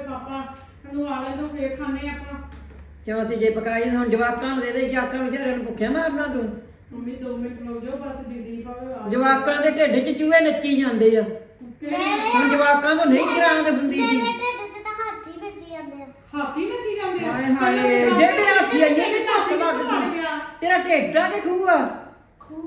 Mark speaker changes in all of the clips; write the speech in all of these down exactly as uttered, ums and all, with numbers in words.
Speaker 1: ਪਾਪਾ ਨੂੰ ਆ ਲੈਂਦੋ ਫੇਰ ਖਾਣੇ ਆਪਾਂ।
Speaker 2: ਕਿਉਂ ਤੇ ਜੇ ਪਕਾਈ ਹੁਣ ਜਵਾਕਾਂ ਨੂੰ ਦੇ ਦੇ, ਜਵਾਕਾਂ ਵਿਚਾਰਿਆਂ ਨੂੰ ਭੁੱਖਿਆ ਮਾਰਨਾ ਤੂੰ।
Speaker 1: ਮੰਮੀ ਦੋ ਮਿੰਟ ਰੁਕ ਜਾਓ ਬਸ, ਜੀਦੀ ਭਾਵੇਂ
Speaker 2: ਜਵਾਕਾਂ ਦੇ ਢਿੱਡ 'ਚ ਚੂਹੇ ਨੱਚੀ ਜਾਂਦੇ ਆ। ਹੁਣ ਜਵਾਕਾਂ ਤੋਂ ਨਹੀਂ ਗਰਾਂਦ ਹੁੰਦੀ ਸੀ।
Speaker 3: ਮੇਰੇ ਢਿੱਡ 'ਚ ਤਾਂ ਹਾਥੀ ਨੱਚੀ ਜਾਂਦੇ ਆ।
Speaker 1: ਹਾਥੀ ਨੱਚੀ ਜਾਂਦੇ ਆ।
Speaker 2: ਹਾਏ ਹਾਏ ਜਿਹੜੇ ਹਾਥੀ ਆਈਏ ਨੇ ਭੁੱਖ ਲੱਗਦੀ। ਤੇਰਾ ਢਿੱਡ ਆ ਕਿ ਖੂਹ ਆ?
Speaker 3: ਖੂ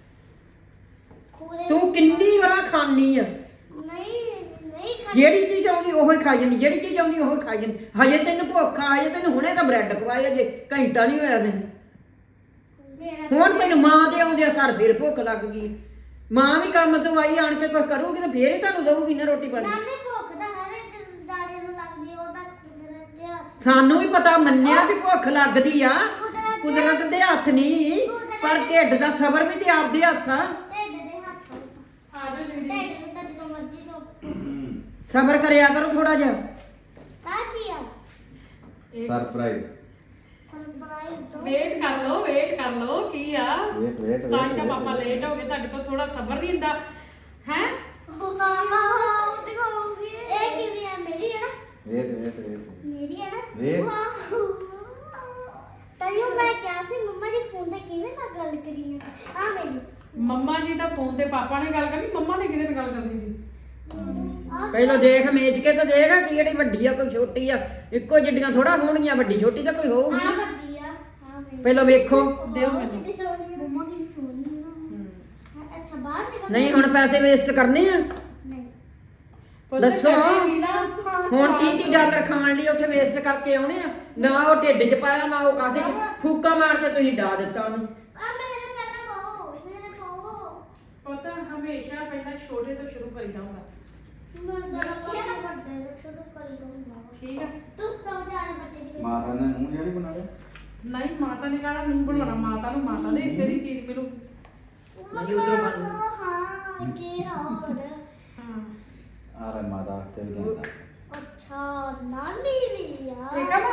Speaker 3: ਖੂ ਦੇ
Speaker 2: ਤੂੰ ਕਿੰਨੀ ਵਾਰ ਖਾਣੀ ਆ?
Speaker 3: ਨਹੀਂ ਨਹੀਂ ਖਾ
Speaker 2: ਜਿਹੜੀ ਚੀਜ਼ ਆਉਂਦੀ ਉਹੀ ਖਾਈ ਜਾਂਦੀ, ਜਿਹੜੀ ਚੀਜ਼ ਆਉਂਦੀ ਉਹੀ ਖਾਈ ਜਾਂਦੀ। ਹਜੇ ਤੈਨੂੰ ਭੁੱਖ ਆ, ਹਜੇ ਤੈਨੂੰ ਹੁਣੇ ਤਾਂ ਬ੍ਰੈਡ ਖਵਾਇਆ, ਜੇ ਘੰਟਾ ਨਹੀਂ ਹੋਇਆ ਤੈਨੂੰ।
Speaker 3: ਮੇਰਾ
Speaker 2: ਹੁਣ ਤੈਨੂੰ ਮਾਂ ਦੇ ਆਉਂਦੇ ਸਰ ਫੇਰ ਭੁੱਖ ਲੱਗ ਗਈ। ਮਾਂ ਵੀ ਕੰਮ ਤੋਂ ਆਈ ਆਣ ਕੇ ਕੁਝ ਕਰੂਗੀ ਤਾਂ ਫੇਰ ਹੀ ਤੁਹਾਨੂੰ ਦਊਗੀ ਨਾ ਰੋਟੀ ਪਾਣੀ।
Speaker 3: ਨਾਲੇ ਭੁੱਖ ਤਾਂ ਹਰ ਇੱਕ ਜਾੜੇ ਨੂੰ ਲੱਗਦੀ, ਉਹਦਾ ਕੁਦਰਤ ਦੇ ਹੱਥ
Speaker 2: ਸਾਨੂੰ ਵੀ ਪਤਾ ਮੰਨਿਆ ਵੀ ਭੁੱਖ ਲੱਗਦੀ ਆ,
Speaker 3: ਕੁਦਰਤ
Speaker 2: ਕੁਦਰਤ ਦੇ ਹੱਥ ਨਹੀਂ, ਪਰ ਢਿੱਡ ਦਾ ਸਬਰ ਵੀ ਤੇ ਆਪਦੇ ਹੱਥ ਆ।
Speaker 3: ਢਿੱਡ ਦੇ ਹੱਥ ਆ।
Speaker 1: ਆ ਜਾਓ ਜੀਦੀ।
Speaker 3: ਢਿੱਡ ਨੂੰ ਤਾਂ ਜਦੋਂ ਮਰਜ਼ੀ ਤੋਂ
Speaker 2: ਸਬਰ ਕਰਿਆ ਕਰੋ ਥੋੜਾ ਜਿਹਾ।
Speaker 3: ਆ ਕੀ ਆ
Speaker 4: ਸਰਪ੍ਰਾਈਜ਼।
Speaker 3: ਸਰਪ੍ਰਾਈਜ਼ ਦੋ
Speaker 1: ਵੇਟ ਕਰ ਲਓ, ਵੇਟ ਕਰ ਲਓ ਕੀ ਆ।
Speaker 4: ਵੇਟ ਵੇਟ
Speaker 1: ਤਾਂ ਹੀ ਤਾਂ ਪਾਪਾ ਲੇਟ ਹੋ ਗਏ, ਤੁਹਾਡੇ ਕੋਲ ਥੋੜਾ ਸਬਰ ਨਹੀਂ ਹੁੰਦਾ ਹੈ।
Speaker 3: ਮਾਮਾ ਦਿਖਾਓਗੇ ਇਹ ਕਿਵੇਂ ਆ? ਮੇਰੀ ਹੈ ਨਾ?
Speaker 4: ਵੇਟ ਵੇਟ ਵੇਟ
Speaker 3: ਮੇਰੀ ਹੈ ਨਾ?
Speaker 4: ਵੇਟ।
Speaker 3: ਵਾਓ ਤਾਈਓ ਮੈਂ ਕਿਹਾ ਸੀ ਮੰਮਾ ਜੀ ਫੋਨ ਤੇ ਕਿਹਦੇ ਨਾਲ ਗੱਲ ਕਰੀ ਹੈ? ਆ ਮੇਰੀ
Speaker 1: ਮੰਮਾ ਜੀ ਤਾਂ ਫੋਨ ਤੇ ਪਾਪਾ ਨੇ ਗੱਲ ਕਰਨੀ, ਮੰਮਾ ਨੇ ਕਿਹਦੇ ਨਾਲ ਗੱਲ ਕਰਨੀ ਸੀ?
Speaker 3: ਆ
Speaker 2: ਪਹਿਲਾਂ ਦੇਖ ਮੇਚ ਕੇ ਤਾਂ ਦੇਖ ਕਿ ਜਿਹੜੀ ਵੱਡੀ ਆ ਕੋਈ ਛੋਟੀ ਆ। ਇੱਕੋ ਜਿੱਡੀਆਂ ਥੋੜਾ ਹੋਣਗੀਆਂ, ਵੱਡੀ ਛੋਟੀ ਤਾਂ ਕੋਈ
Speaker 3: ਆ
Speaker 2: ਹੋਊਗੀ।
Speaker 3: ਵੱਡੀ ਆ ਆ ਮੇਰੀ
Speaker 2: ਪਹਿਲਾਂ ਵੇਖੋ।
Speaker 1: ਦਿਓ ਮੈਨੂੰ।
Speaker 3: ਕਿੰਨੀ ਸੋਹਣੀ ਆ। ਮੰਮਾ ਕਿੰਨੀ ਸੋਹਣੀ ਆ। ਅੱਛਾ ਬਾਹਰ ਨਿਕਲ
Speaker 2: ਨਹੀਂ ਹੁਣ ਪੈਸੇ ਵੇਸਟ ਕਰਨੇ ਆ।
Speaker 3: ਨਹੀਂ
Speaker 1: ਪੁੱਤ
Speaker 2: ਦੱਸੋ।
Speaker 1: ਕਦੇ ਵੀ ਨਾ
Speaker 2: ਹੁਣ ਤੀਹ ਤੀਹ ਡਾਲਰ ਖਾਣ ਲਈ ਉੱਥੇ ਵੇਸਟ ਕਰਕੇ ਆਉਣੇ ਆ। ਨਾ ਉਹ ਢਿੱਡ 'ਚ ਪਾਇਆ, ਨਾ ਉਹ ਕਾਸੇ 'ਚ ਫੂਕਾ ਮਾਰ ਕੇ ਤੁਸੀਂ ਡਾ ਦਿੱਤਾ ਉਹਨੂੰ।
Speaker 3: ਆ ਮੇਰੇ ਪਹਿਲਾਂ ਪਾਓ ਮੇਰੇ ਪਾਓ
Speaker 1: ਪੁੱਤ ਹਮੇਸ਼ਾ ਪਹਿਲਾਂ ਛੋਟੇ ਤੋਂ ਸ਼ੁਰੂ ਕਰੀਦਾ ਹੁੰਦਾ,
Speaker 3: ਮੈਂ ਜਰਾ ਕਿਹਾ ਵੱਡੇ ਤੋਂ ਸ਼ੁਰੂ ਕਰੀ ਦਊਂਗਾ।
Speaker 1: ਠੀਕ ਆ।
Speaker 3: ਤੂੰ ਸਭ ਜਾਣੇ ਬੱਚੇ ਦੀ
Speaker 4: ਮਾਤਾ ਨੇ ਮੂੰਹ ਜਿਹੜੀ ਬਣਾ ਲਿਆ।
Speaker 1: ਨਹੀਂ ਮਾਤਾ ਨੇ ਕਹਣਾ ਨਹੀਂ ਬਣਾਉਣਾ, ਮਾਤਾ ਨੂੰ ਮਾਤਾ ਦੇ ਹਿੱਸੇ ਦੀ ਚੀਜ਼ ਮਿਲੂ।
Speaker 2: ਨਹੀਂ ਉਧਰੋਂ ਬਣ
Speaker 3: ਹਾਂ ਕੀ ਹੋਰ
Speaker 1: ਹਾਂ
Speaker 4: ਆ ਲੈ ਮਾਤਾ ਤੇ ਵੀ ਕਹਿੰਦਾ।
Speaker 3: ਅੱਛਾ ਨਾਨੀ ਲਿਆ
Speaker 1: ਠੀਕ ਆ ਨਾ?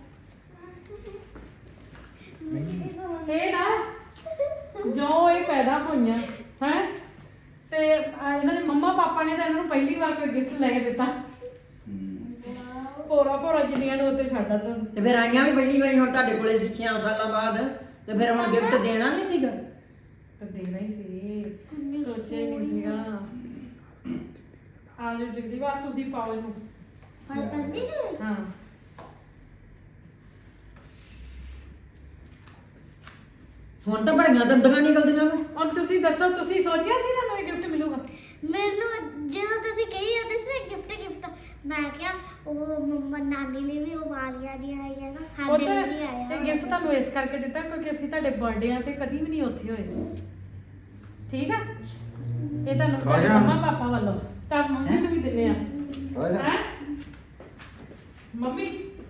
Speaker 1: ਇਹ ਨਾ ਜੋ ਇਹ ਪੈਦਾ ਹੋਈਆਂ ਹੈ ਤੇ ਆ ਇਹਨਾਂ ਦੇ ਮੰਮਾ ਪਾਪਾ ਨੇ ਤਾਂ ਇਹਨਾਂ ਨੂੰ ਪਹਿਲੀ ਵਾਰ ਕੋਈ ਗਿਫਟ ਲੈ ਕੇ ਦਿੱਤਾ।
Speaker 4: ਹੂੰ।
Speaker 1: ਭੋਰਾ ਭੋਰਾ ਜਿੰਨੀਆਂ ਨੂੰ ਉੱਤੇ ਛੱਡ ਦਿੱਤਾ ਸੀ।
Speaker 2: ਤੇ ਫਿਰ ਆਈਆਂ ਵੀ ਪਹਿਲੀ ਵਾਰੀ ਹੁਣ ਤੁਹਾਡੇ ਕੋਲੇ ਸੀ ਛੇ ਸਾਲਾਂ ਬਾਅਦ, ਤੇ ਫਿਰ ਹੁਣ ਗਿਫਟ ਦੇਣਾ ਨਹੀਂ ਸੀਗਾ।
Speaker 1: ਤੇ ਦੇਣਾ ਹੀ ਸੀ, ਸੋਚਿਆ ਹੀ ਨਹੀਂ ਸੀਗਾ। ਆ ਜਾਓ ਜਗਦੀਪ, ਆ ਤੁਸੀਂ ਪਾਓ ਇਹਨੂੰ।
Speaker 3: ਹਾਂ ਕੰਦੀ ਨੇ
Speaker 1: ਹਾਂ
Speaker 2: ਹੁਣ ਤਾਂ ਬੜੀਆਂ ਦੰਦੀਆਂ ਨਿਕਲਦੀਆਂ ਵਾ।
Speaker 1: ਹੁਣ ਤੁਸੀਂ ਦੱਸੋ, ਤੁਸੀਂ ਸੋਚਿਆ ਸੀ ਤੁਹਾਨੂੰ ਇਹ ਗਿਫਟ ਮਿਲੂਗਾ?
Speaker 3: ਮੈਨੂੰ ਜਦੋਂ ਤੁਸੀਂ ਕਹੀ ਜਾਂਦੇ ਸੀ ਗਿਫਟ ਗਿਫਟ ਮੈਂ ਕਿਹਾ ਉਹ ਮੰਮਾ ਨਾਨੀ ਲਈ ਵੀ ਉਹ ਵਾਲੀਆਂ ਦੀਆਂ ਆਈਆਂ ਨਾ
Speaker 1: ਉਹ
Speaker 3: ਸਾਡੇ
Speaker 1: ਤਾਂ
Speaker 3: ਲਈ ਵੀ ਆਇਆ
Speaker 1: ਇਹ ਗਿਫਟ ਤੁਹਾਨੂੰ ਇਸ ਕਰਕੇ ਦਿੱਤਾ ਕਿਉਂਕਿ ਅਸੀਂ ਤੁਹਾਡੇ ਬਰਥਡੇਆਂ ਤੇ ਕਦੀ ਵੀ ਨਹੀਂ ਉੱਥੇ ਹੋਏ, ਠੀਕ ਆ? ਇਹ ਤੁਹਾਨੂੰ
Speaker 4: ਖਾ
Speaker 1: ਤੁਹਾਡੇ
Speaker 4: ਜਾ।
Speaker 1: ਮੰਮਾ ਪਾਪਾ ਵੱਲੋਂ ਤਾਂ ਮੰਮੀ ਨੂੰ ਵੀ ਦਿੰਦੇ ਆ।
Speaker 4: ਹੋ ਜਾ।
Speaker 1: ਹੈ ਮੰਮੀ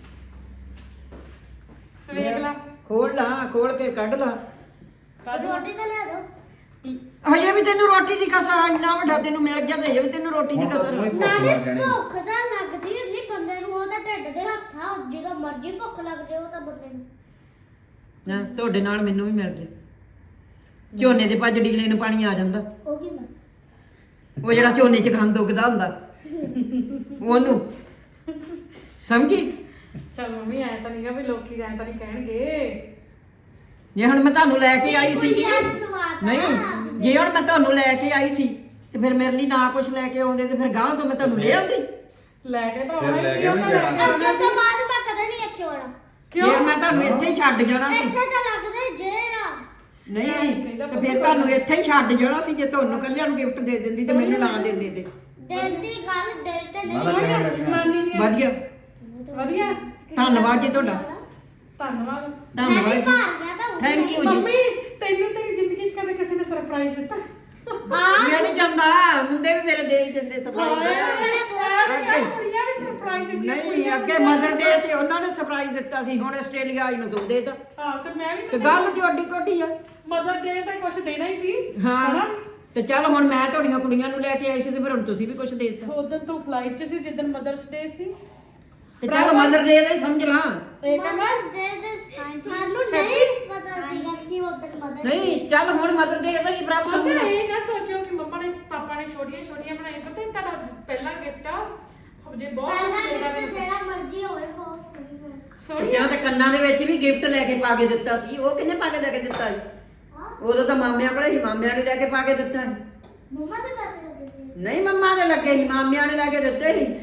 Speaker 1: ਵੇਖ ਲਾ,
Speaker 2: ਖੋਲ ਲਾ, ਖੋਲ ਕੇ ਕੱਢ ਲਾ।
Speaker 1: ਕੱਢ
Speaker 3: ਰੋਟੀ ਤਾਂ ਲਿਆ ਦੋ
Speaker 2: ਹਜੇ ਵੀ ਤੈਨੂੰ ਰੋਟੀ ਦੀ ਕਸਰ ਆ, ਇੰਨਾ ਵੱਡਾ ਤੈਨੂੰ ਮਿਲ ਗਿਆ ਤੇ ਹਜੇ ਵੀ ਤੈਨੂੰ ਰੋਟੀ ਦੀ
Speaker 4: ਹੁਣ ਤਾਂ
Speaker 2: ਕਸਰ
Speaker 4: ਤੂੰ ਹੀ
Speaker 2: ਆ।
Speaker 4: ਭੁੱਖ
Speaker 3: ਨਾਲੇ
Speaker 4: ਲੱਗ ਜਾਣੀ।
Speaker 3: ਭੁੱਖ ਤਾਂ ਲੱਗਦੀ ਹੁੰਦੀ ਬੰਦੇ ਨੂੰ, ਉਹਦਾ ਢਿੱਡ ਦੇ ਹੱਥ ਆ, ਜਦੋਂ ਮਰਜ਼ੀ ਭੁੱਖ ਲੱਗ ਜਾਏ ਉਹ ਤਾਂ ਬੰਦੇ ਨੂੰ।
Speaker 2: ਨਾ ਤੁਹਾਡੇ ਨਾਲ ਮੈਨੂੰ ਵੀ ਮਿਲ ਜੇ। ਝੋਨੇ ਦੇ ਭੱਜ ਡੀਲੇ ਨੂੰ ਪਾਣੀ ਆ ਜਾਂਦਾ,
Speaker 3: ਉਹ ਕੀ ਨਾ
Speaker 2: ਉਹ ਜਿਹੜਾ ਝੋਨੇ 'ਚ ਗੰਦ ਉੱਗਦਾ ਹੁੰਦਾ ਉਹਨੂੰ ਸਮਝੀ।
Speaker 1: ਚਲ ਮੰਮੀ ਐ ਤਾਂ ਨਹੀਂਗਾ ਵੀ ਲੋਕੀ ਐ ਤਾਂ ਨਹੀਂ ਕਹਿਣਗੇ।
Speaker 2: ਜੇ ਹੁਣ ਮੈਂ ਤੁਹਾਨੂੰ ਲੈ ਕੇ ਆਈ ਸੀ
Speaker 3: ਕੁੜੀਆਂ ਨੂੰ ਦਵਾਤਾ।
Speaker 2: ਨਹੀਂ, ਜੇ ਹੁਣ ਮੈਂ ਤੁਹਾਨੂੰ ਲੈ ਕੇ ਆਈ ਸੀ ਤੇ ਫਿਰ ਮੇਰੇ ਲਈ ਨਾ ਕੁਝ ਲੈ ਕੇ ਆਉਂਦੇ ਤੇ ਫਿਰ ਗਾਂ ਤੋਂ ਮੈਂ ਤੁਹਾਨੂੰ ਲੈ ਆਉਂਦੀ।
Speaker 1: ਲੈ ਕੇ ਤਾਂ
Speaker 4: ਫਿਰ
Speaker 1: ਆਉਣਾ
Speaker 4: ਲੈ
Speaker 1: ਹੀ
Speaker 4: ਕੇ ਵੀ
Speaker 1: ਸੀ,
Speaker 4: ਜਾਣਾ ਸੀ।
Speaker 3: ਅੱਗੇ ਤੋਂ ਬਾਅਦ ਮੈਂ ਕਦੇ ਨਹੀਂ ਇੱਥੇ ਆਉਣਾ।
Speaker 1: ਕਿਉਂ?
Speaker 2: ਫਿਰ ਮੈਂ ਤੁਹਾਨੂੰ ਇੱਥੇ ਹੀ ਛੱਡ ਜਾਣਾ ਸੀ।
Speaker 3: ਇੱਥੇ ਤਾਂ ਲੱਗਦੇ ਜੇ ਆ
Speaker 2: ਨਹੀਂ ਤੇ ਫਿਰ ਤੁਹਾਨੂੰ ਇੱਥੇ ਹੀ ਛੱਡ ਜਾਣਾ ਸੀ। ਜੇ ਤੁਹਾਨੂੰ ਕੱਲਿਆਂ ਨੂੰ ਗਿਫਟ ਦੇ ਦਿੰਦੀ ਤੇ ਮੈਨੂੰ ਨਾ ਦਿੰਦੇ ਤੇ
Speaker 3: ਦਿਲ ਦੀ ਗੱਲ ਦਿਲ ਤੇ
Speaker 4: ਮਾਤਾ
Speaker 3: ਨਹੀਂ
Speaker 4: ਕਿਵੇਂ
Speaker 3: ਹੋਣੀ।
Speaker 4: ਲੱਗੀਆਂ?
Speaker 1: ਨਾਨੀ ਦੀਆਂ
Speaker 2: ਵਧੀਆ।
Speaker 1: ਵਧੀਆ,
Speaker 2: ਧੰਨਵਾਦ ਜੀ ਤੁਹਾਡਾ।
Speaker 1: ਧੰਨਵਾਦ।
Speaker 3: ਮੈਂ ਵੀ
Speaker 2: ਧੰਨਵਾਦ
Speaker 3: ਭਾਰ ਗਿਆ ਤਾਂ ਉਹ
Speaker 2: ਥੈਂਕ ਯੂ ਜੀ।
Speaker 1: ਮੰਮੀ ਤੈਨੂੰ ਤੇਰੀ ਜ਼ਿੰਦਗੀ 'ਚ ਕਦੇ ਕਿਸੇ ਨੇ ਸਰਪ੍ਰਾਈਜ਼ ਦਿੱਤਾ?
Speaker 3: ਹਾਂ
Speaker 2: ਮੈਂ ਨਹੀਂ ਜਾਂਦਾ, ਮੁੰਡੇ ਵੀ ਮੇਰੇ ਦੇ ਹੀ ਦਿੰਦੇ
Speaker 1: ਹਾਏ,
Speaker 2: ਸਰਪ੍ਰਾਈਜ਼।
Speaker 1: ਹਾਏ, ਕੁੜੀਆਂ ਵੀ ਸਰਪ੍ਰਾਈਜ਼ ਦਿੰਦੀਆਂ।
Speaker 2: ਨਹੀਂ ਅੱਗੇ ਮਦਰ ਡੇ ਤੇ ਉਹਨਾਂ ਨੇ ਸਰਪ੍ਰਾਈਜ਼ ਦਿੱਤਾ ਸੀ, ਹੁਣ ਆਸਟ੍ਰੇਲੀਆ ਆਈ ਨੂੰ ਤੂੰ ਦੇ ਤਾ।
Speaker 1: ਹਾਂ ਤੇ ਮੈਂ ਵੀ
Speaker 2: ਤੇ ਗੱਲ ਤੇ ਓਡੀ ਕੋਡੀ ਆ।
Speaker 1: ਮਦਰ ਡੇ ਤੇ ਕੁਝ ਦੇਣਾ ਹੀ ਸੀ।
Speaker 2: ਹਾਂ ਤੇ ਚੱਲ ਹੁਣ ਮੈਂ ਤੁਹਾਡੀਆਂ ਕੁੜੀਆਂ ਨੂੰ ਲੈ ਕੇ ਆਈ ਸੀ ਤੇ ਫਿਰ ਹੁਣ ਤੁਸੀਂ ਵੀ ਕੁਝ ਦੇ ਦਿੱਤਾ।
Speaker 1: ਉਦੋਂ ਤੂੰ ਫਲਾਈਟ 'ਚ ਸੀ ਜਿੱਦਣ ਮਦਰਸ ਡੇ ਸੀ।
Speaker 2: ਤੇ ਚੱਲ ਮਦਰ ਡੇ ਦਾ ਹੀ ਸਮਝ ਲਾ।
Speaker 1: ਇਹ ਕਹਿੰਦਾ
Speaker 3: ਮਦਰਸ ਡੇ ਦੇ ਸਾਨੂੰ ਨਹੀਂ ਪਤਾ ਸੀਗਾ ਕਿ ਉਹ ਦਿਨ ਮਦਰ
Speaker 2: ਨਹੀਂ ਚੱਲ ਹੁਣ ਮਦਰ ਡੇ ਦਾ ਹੀ ਬਰਾਬਰ ਸਮਝ
Speaker 1: ਪਤਾ
Speaker 2: ਲਾ।
Speaker 1: ਇਹ ਨਾ ਸੋਚੋ ਕਿ ਮੰਮਾ ਨੇ ਪਾਪਾ ਨੇ ਛੋਟੀਆਂ ਛੋਟੀਆਂ ਬਣਾਈ। ਪਤਾ ਇਹ ਤੁਹਾਡਾ ਪਹਿਲਾ ਗਿਫਟ ਆ, ਜੇ ਬਹੁਤ
Speaker 3: ਪਹਿਲਾਂ
Speaker 1: ਕੁਛ ਦੇਣਾ
Speaker 3: gift
Speaker 1: ਤੇ
Speaker 3: ਜਿਹੜਾ ਮਰਜ਼ੀ ਹੋਵੇ ਬਹੁਤ ਸੋਹਣੀ ਹੋਵੇ
Speaker 2: ਤੇ
Speaker 1: ਸੋਹਣੀ
Speaker 2: ਕਿਉਂ ਤੇ ਕੰਨਾਂ ਦੇ ਵਿੱਚ ਵੀ ਗਿਫਟ ਲੈ ਕੇ ਪਾ ਕੇ ਦਿੱਤਾ ਸੀ ਉਹ ਕਿੰਨੇ ਪਾ ਕੇ ਲੈ ਕੇ ਦਿੱਤਾ ਸੀ
Speaker 3: ਹਾਂ
Speaker 2: ਉਦੋਂ ਤਾਂ ਮਾਮਿਆਂ ਕੋਲੇ ਸੀ ਮਾਮਿਆਂ ਨੇ ਲੈ ਕੇ ਪਾ ਕੇ ਦਿੱਤਾ ਸੀ
Speaker 3: ਮੰਮਾ ਦੇ ਪੈਸੇ ਲੱਗੇ ਸੀ
Speaker 2: ਨਹੀਂ ਮੰਮਾ ਦੇ ਲੱਗੇ ਸੀ ਮਾਮਿਆਂ ਨੇ ਲੈ ਕੇ ਦਿੱਤੇ ਸੀ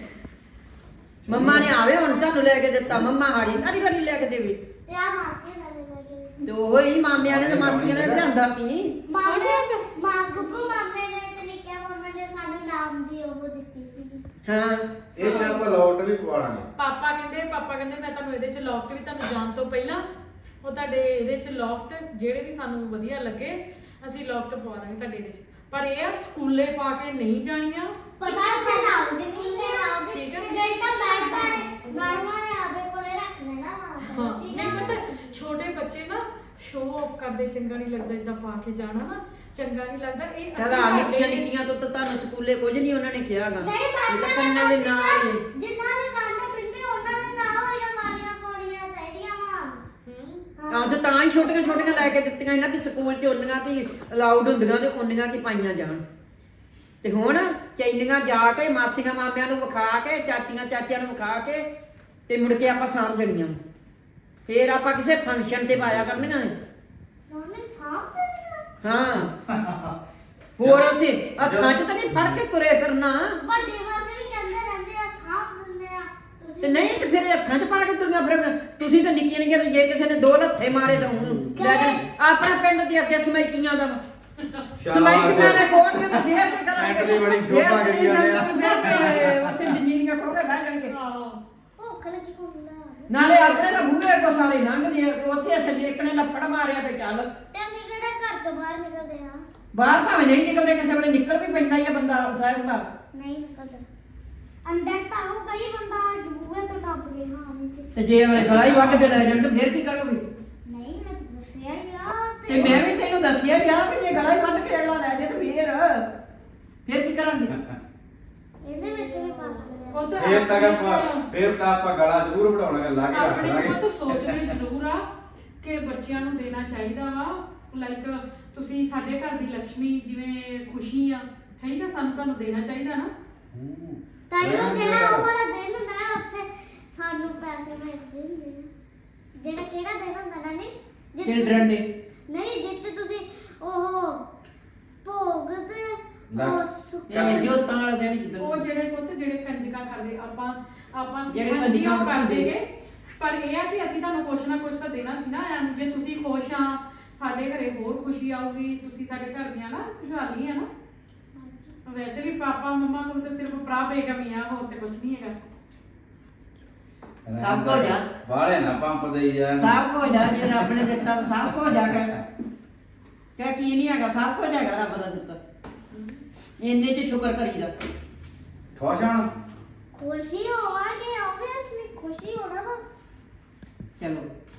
Speaker 2: ਮੰਮਾ ਨੇ ਆਵੇ ਹੁਣ ਤੁਹਾਨੂੰ ਲੈ ਕੇ ਦਿੱਤਾ ਮੰਮਾ ਹਾਰੀ ਸਾਰੀ ਵਾਰੀ ਲੈ ਕੇ ਦੇਵੇ
Speaker 3: ਤੇ ਆ ਮਾਸੀ ਨਾਲੇ ਲੱਗੇ
Speaker 2: ਤੇ ਉਹ ਹੀ ਮਾਮਿਆਂ ਨੇ ਤੇ ਮਾਸੀਆਂ ਨੇ ਲਿਆਂਦਾ ਸੀ
Speaker 3: ਮਾਮੇ ਮਾਂ ਗੁੱਗੂ ਮਾਮੇ ਨੇ ਤੇ ਨਿੱਕੇ ਮਾਮੇ ਨੇ ਸਾਨੂੰ ਨਾਮ ਦੀ ਉਹ ਦਿੱਤੀ ਸੀ
Speaker 2: ਹਾਂ
Speaker 4: ਇਹ ਤਾਂ ਆਪਾਂ ਲੋਟ ਵੀ ਪਵਾਵਾਂਗੇ
Speaker 1: ਪਾਪਾ ਕਹਿੰਦੇ ਪਾਪਾ ਕਹਿੰਦੇ ਮੈਂ ਤੁਹਾਨੂੰ ਇਹਦੇ ਚ ਲੌਕਟ ਵੀ ਤੁਹਾਨੂੰ ਜਾਣ ਤੋਂ ਪਹਿਲਾਂ ਉਹ ਤੁਹਾਡੇ ਇਹਦੇ ਚ ਲੌਕਟ ਜਿਹੜੇ ਵੀ ਸਾਨੂੰ ਵਧੀਆ ਲੱਗੇ ਅਸੀਂ ਲੌਕਟ ਪਵਾ ਦਾਂਗੇ ਤੁਹਾਡੇ ਇਹਦੇ ਚ ਪਰ ਇਹ ਆ ਸਕੂਲੇ ਪਾ ਕੇ ਨਹੀਂ ਜਾਣੀਆਂ
Speaker 3: ਪਤਾ ਸੀ ਨਾ ਉਸ ਦਿਨ ਨਹੀਂ ਆਉਂਦੇ
Speaker 1: ਠੀਕ ਹੈ।
Speaker 3: ਗਈ ਤਾਂ ਮੈਡਮਾਂ ਨੇ ਮੈਡਮਾਂ ਨੇ ਆਪੇ ਕੋਲੇ ਰੱਖ ਲੈਣਾ ਵਾ
Speaker 1: ਹਾਂ ਨਹੀਂ ਪਤਾ ਛੋਟੇ ਬੱਚੇ ਨਾ ਸ਼ੋਅ ਆਫ ਕਰਦੇ ਚੰਗਾ ਨਹੀਂ ਲੱਗਦਾ ਇਦਾਂ ਪਾ ਕੇ ਜਾਣਾ ਨਾ ਚੰਗਾ ਨਹੀਂ ਲੱਗਦਾ ਇਹ
Speaker 2: ਚਲ ਆ ਨਿੱਕੀਆਂ ਨਿੱਕੀਆਂ ਤੋਂ ਤਾਂ ਤੁਹਾਨੂੰ ਸਕੂਲੇ ਕੁਝ ਨਹੀਂ ਉਹਨਾਂ ਨੇ ਕਿਹਾਗਾ
Speaker 3: ਨਹੀਂ
Speaker 2: ਇਹ ਤਾਂ
Speaker 3: ਮੈਡਮਾਂ
Speaker 2: ਕੰਨਾਂ ਦੇ ਨਾਲ ਹੀ
Speaker 3: ਜਿਨ੍ਹਾਂ ਦੇ ਕੰਨ ਪਿੰਡੇ ਉਹਨਾਂ ਦੇ ਨਾਂ ਹੋਈਆਂ ਵਾਲੀਆਂ ਪਾਉਣੀਆਂ ਚਾਹੀਦੀਆਂ ਵਾ
Speaker 1: ਹੂੰ
Speaker 2: ਹਾਂ ਤੇ ਤਾਂ ਹੀ ਛੋਟੀਆਂ ਛੋਟੀਆਂ ਲੈ ਕੇ ਦਿੱਤੀਆਂ ਇਹਨਾਂ ਵੀ ਸਕੂਲ ਚ ਉਹਨੀਆਂ ਤੇ ਅਲਾਉਡ ਹੁੰਦੀਆਂ ਤੇ ਉਹਨੀਆਂ ਕੀ ਪਾਈਆਂ ਜਾਣ ਤੇ ਹੁਣ ਚੈਨੀਆਂ ਜਾ ਕੇ ਮਾਸੀਆਂ ਮਾਮਿਆਂ ਨੂੰ ਵਿਖਾ ਕੇ ਚਾਚੀਆਂ ਚਾਚਿਆਂ ਨੂੰ ਵਿਖਾ ਕੇ ਤੇ ਮੁੜ ਕੇ ਆਪਾਂ ਸਾਂਭ ਦੇਣੀਆਂ ਫੇਰ ਆਪਾਂ ਕਿਸੇ ਫੰਕਸ਼ਨ ਤੇ ਪਾਇਆ ਕਰਨੀਆਂ ਨੇ
Speaker 3: ਮੰਮੀ ਸਾਫ ਦੇਣਾ
Speaker 2: ਹਾਂ ਹੋਰ ਉੱਥੇ ਹੱਥਾਂ 'ਚ ਤਾਂ ਨਹੀਂ ਫੜ ਕੇ ਤੁਰੇ ਫਿਰਨਾ
Speaker 3: ਵੱਡੇ ਵਾਸੇ ਵੀ ਕਹਿੰਦੇ ਰਹਿੰਦੇ ਆ ਸਾਫ ਦਿੰਦੇ ਆ
Speaker 2: ਤੇ
Speaker 3: ਤੁਸੀਂ
Speaker 2: ਨਹੀਂ ਤੇ ਫਿਰ ਹੱਥਾਂ 'ਚ ਪਾ ਕੇ ਤੁਰੀਆਂ ਫਿਰਨਾ ਤੁਸੀਂ ਤਾਂ ਨਿੱਕੀਆਂ ਨਿੱਕੀਆਂ ਤੇ ਜੇ ਕਿਸੇ ਨੇ ਦੋ ਲੱਥੇ ਮਾਰੇ ਤਾਂ ਉਹਨੂੰ ਲੈ ਕੇ ਆਪਣਾ ਪਿੰਡ ਦੇ ਅੱਗੇ ਸਮੈਕੀਆਂ ਦਾ ਸਮੈਕੀਆਂ ਨੇ ਖੋਲ ਕੇ ਤੇ ਫੇਰ ਤੇ ਕਰਾਂਗੇ
Speaker 4: ਐਂਟਰੀ ਬੜੀ ਸ਼ੋਭਾ ਕਰੀ ਜਾਂਦੇ ਆ।
Speaker 2: ਫਿਰ ਤੇ ਉੱਥੇ ਜੰਜੀਰੀਆਂ ਖੋ ਕੇ ਬਹਿ ਜਾਣਗੇ
Speaker 1: ਆਹੋ
Speaker 3: ਭੁੱਖ ਲੱਗੀ ਹੁੰਦਾ
Speaker 2: ਨਾਲੇ ਆਪਣੇ ਤਾਂ ਬੂਹੇ ਕੋ ਸਾਰੇ ਲੰਘਦੇ ਆ ਉੱਥੇ ਥੱਲੇ ਇੱਕ ਨੇ ਲੱਫੜ ਮਾਰਿਆ ਤੇ ਚੱਲ
Speaker 3: ਤੇ ਅਸੀਂ ਕਿਹੜਾ ਘਰ ਤੋਂ ਬਾਹਰ ਨਿਕਲਦੇ ਆ
Speaker 2: ਬਾਹਰ ਭਾਵੇਂ ਨਹੀਂ ਨਿਕਲਦੇ ਕਿਸੇ ਵੇਲੇ ਨਿਕਲ ਵੀ ਪੈਂਦਾ ਹੀ ਆ ਬੰਦਾ ਸਾਇਸ ਬਾਹਰ
Speaker 3: ਨਹੀਂ ਨਿਕਲਦਾ ਅੰਦਰ ਤਾਂ ਉਹ ਕਈ ਬੰਦਾ ਜੂਏ ਤੋਂ ਟੱਪ ਗਏ ਹਾਂ ਨਹੀਂ ਤੇ
Speaker 2: ਤੇ ਜੇ ਉਹਨੇ ਗਲਾ ਹੀ ਵੱਢ ਕੇ ਲੈ ਜਾਣ ਤੇ ਫੇਰ ਕੀ ਕਰੋਗੇ
Speaker 3: ਨਹੀਂ ਮੈਂ ਤਾਂ ਦੱਸਿਆ ਯਾਰ
Speaker 2: ਤੇ ਮੈਂ ਵੀ ਤੈਨੂੰ ਦੱਸਿਆ ਹੀ ਆ ਵੀ ਜੇ ਗਲਾ ਹੀ ਵੱਢ ਕੇ ਅਗਲਾ ਲੈ ਜਾਏ ਤੇ ਫੇਰ ਫੇਰ ਕੀ ਕਰਾਂਗੇ
Speaker 3: ਇਹਦੇ ਵਿੱਚ ਵੀ ਪਾਸ ਕਰਿਆ
Speaker 1: ਉਧਰ
Speaker 4: ਫੇਰ ਤੱਕ ਆਪਾਂ ਫੇਰ ਤਾਂ ਆਪਾਂ ਗਲਾ ਜ਼ਰੂਰ ਵਧਾਉਣਾ ਲਾ ਕੇ ਰੱਖ
Speaker 1: ਆਪਣੇ
Speaker 4: ਲਾਂਗੇ
Speaker 1: ਕੋਲ ਸੋਚਦੇ ਜ਼ਰੂਰ ਆ ਕਿ ਬੱਚਿਆਂ ਨੂੰ ਦੇਣਾ ਚਾਹੀਦਾ ਵਾ ਲਾਈਕ ਤੁਸੀਂ ਸਾਡੇ ਘਰ ਦੀ ਲక్ష్ਮੀ ਜਿਵੇਂ ਖੁਸ਼ੀ ਆ ਠੀਕ ਆ ਸਾਨੂੰ ਤੁਹਾਨੂੰ ਦੇਣਾ ਚਾਹੀਦਾ ਨਾ
Speaker 4: ਹੂੰ।
Speaker 3: ਤਾਈਓ ਜਿਹੜਾ ਉਹ ਵਾਲਾ ਦਿਨ ਹੁੰਦਾ ਹੈ ਉੱਥੇ ਸਾਨੂੰ ਪੈਸੇ ਮਿਲਦੇ ਹੁੰਦੇ ਆ ਜਿਹੜਾ ਕਿਹੜਾ ਦਿਨ ਹੁੰਦਾ ਨਾ ਨਹੀਂ ਜਿਹ 'ਚ-
Speaker 2: ਚਿਲਡਰਨ ਡੇ
Speaker 3: ਨਹੀਂ ਜਿੱਥੇ ਤੁਸੀਂ ਉਹ ਭੋਗ ਤੇ
Speaker 4: ਲੈ।
Speaker 3: ਉਹ
Speaker 2: ਇਹ
Speaker 3: ਸੁੱਕੇ
Speaker 2: ਜੋ ਤਾਂ ਵਾਲਾ ਦਿਨ ਜਿੱਦਣ
Speaker 1: ਉਹ ਜਿਹੜੇ ਪੁੱਤ ਜਿਹੜੇ ਕੰਜਕਾਂ ਕਰਦੇ ਆਪਾਂ ਆਪਾਂ
Speaker 2: ਜਿਹੜੇ
Speaker 1: ਜਿਹੜੇ
Speaker 2: ਕੰਜਕਾਂ
Speaker 1: ਕੰਜਕਾਂ
Speaker 2: ਕਰਦੇ
Speaker 1: ਕਰਦੇਗੇ ਪਰ ਇਹ ਆ ਕਿ ਅਸੀਂ ਤੁਹਾਨੂੰ ਕੁਛ ਨਾ ਕੁਛ ਤਾਂ ਦੇਣਾ ਸੀ ਨਾ ਐਂ ਜੇ ਤੁਸੀਂ ਖੁਸ਼ ਆ ਸਾਡੇ ਘਰੇ ਹੋਰ ਖੁਸ਼ੀ ਆਊਗੀ ਤੁਸੀਂ ਸਾਡੇ ਘਰ ਦੀਆਂ ਨਾ ਖੁਸ਼ਹਾਲੀ ਆ ਨਾ ਵੈਸੇ ਵੀ ਪਾਪਾ ਮੰਮਾ ਕੋਲ ਤਾਂ ਸਿਰਫ ਭਰਾ ਬੇਗਮੀ ਆ ਹੋਰ ਤੇ ਕੁਛ ਨਹੀਂ ਹੈਗਾ
Speaker 2: ਸਭ ਕੁਝ ਆ।
Speaker 4: ਵਾਲੇ ਨਾ ਪੰਪ ਦੇਈ ਜਾ
Speaker 2: ਸਭ ਕੁਝ ਆ ਜੇ ਰੱਬ ਨੇ ਦਿੱਤਾ ਤਾਂ ਸਭ ਕੁਝ ਆ ਕਹਿ ਕਹਿ ਕੀ ਨਹੀਂ ਹੈਗਾ ਸਭ ਕੁਝ ਹੈਗਾ ਰੱਬ ਦਾ ਦਿੱਤਾ ਇੰਨੇ 'ਚ ਸ਼ੁਕਰ ਕਰੀਦਾ
Speaker 4: ਖੁਸ਼ ਹਣ
Speaker 3: ਖੁਸ਼ੀ ਹੋਵਾਂਗੇ ਆਬਵੀਅਸਲੀ ਖੁਸ਼ੀ ਹੋਣਾ ਵਾ
Speaker 2: ਚਲੋ